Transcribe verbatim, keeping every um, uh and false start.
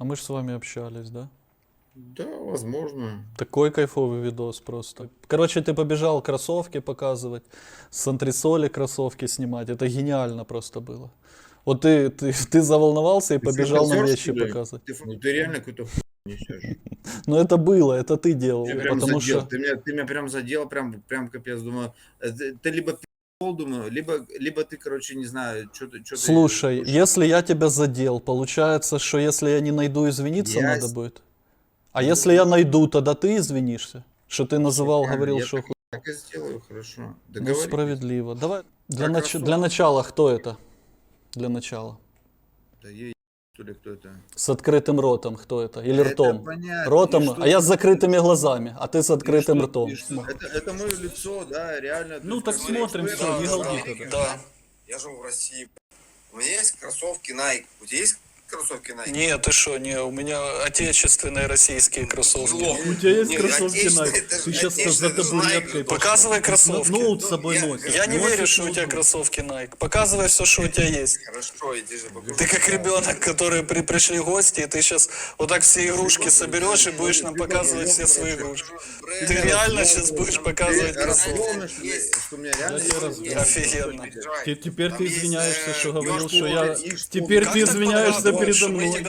А мы же с вами общались, да? Да, возможно. Такой кайфовый видос просто. Короче, ты побежал кроссовки показывать, с антресоли кроссовки снимать. Это гениально просто было. Вот ты, ты, ты заволновался и Ты побежал нам фантазер, вещи что ли? показывать. Ты, ф- ну, ты реально какую-то хуйню несешь. Но это было, это ты делал. Ты прям Потому задел, что... ты меня, ты меня прям задел, прям, прям капец, думаю, э, ты, ты либо пи***л, думаю, либо, либо ты, короче, не знаю, что ты, что ты... Слушай, если я тебя задел, получается, что если я не найду, извиниться Я надо с- будет? А Ну, если я найду, тогда ты извинишься? Что ты называл, шикарно, говорил, я что... так, ху- так и сделаю, хорошо. Ну, Договорились? справедливо. Давай, для, Про нач- кроссовки. для начала, кто это? Для начала. Да я что ли, кто это? С открытым ротом, кто это? Или Это ртом? понятно. Ротом, И что а я ты- с закрытыми глазами, а ты с и открытым что- ртом. и что? Это, это мое лицо, да, реально. то Ну есть так как бы смотрим, эксперт, все, не да, галди да. тогда. Да. Я живу в России. У меня есть кроссовки Nike. У тебя есть кроссовки Nike? Нет, ты что, не, у меня отечественные российские кроссовки. У тебя есть Не, кроссовки отечественные, Nike? это же Ты сейчас за отечественные, это же табуреткой Nike. пошел. Показывай кроссовки. Ноут с собой Я- носишь. Я не Носишь верю, что у тебя ноутбук. кроссовки Nike. Показывай все, что у тебя есть. Хорошо, иди же покажу. Ты как ребенок, который при, пришли гости, и ты сейчас вот так все игрушки соберешь и будешь нам показывать все свои игрушки. Ты реально сейчас будешь показывать Ты кроссовки? расслабленный, что ли, что у меня реально Я тебя есть раз- Офигенно. Те- Теперь Там ты есть, извиняешься, э, что говорил, Ёж что я... Кубок, Теперь Как ты так извиняешься подгадываешь, передо что мы мной. тебя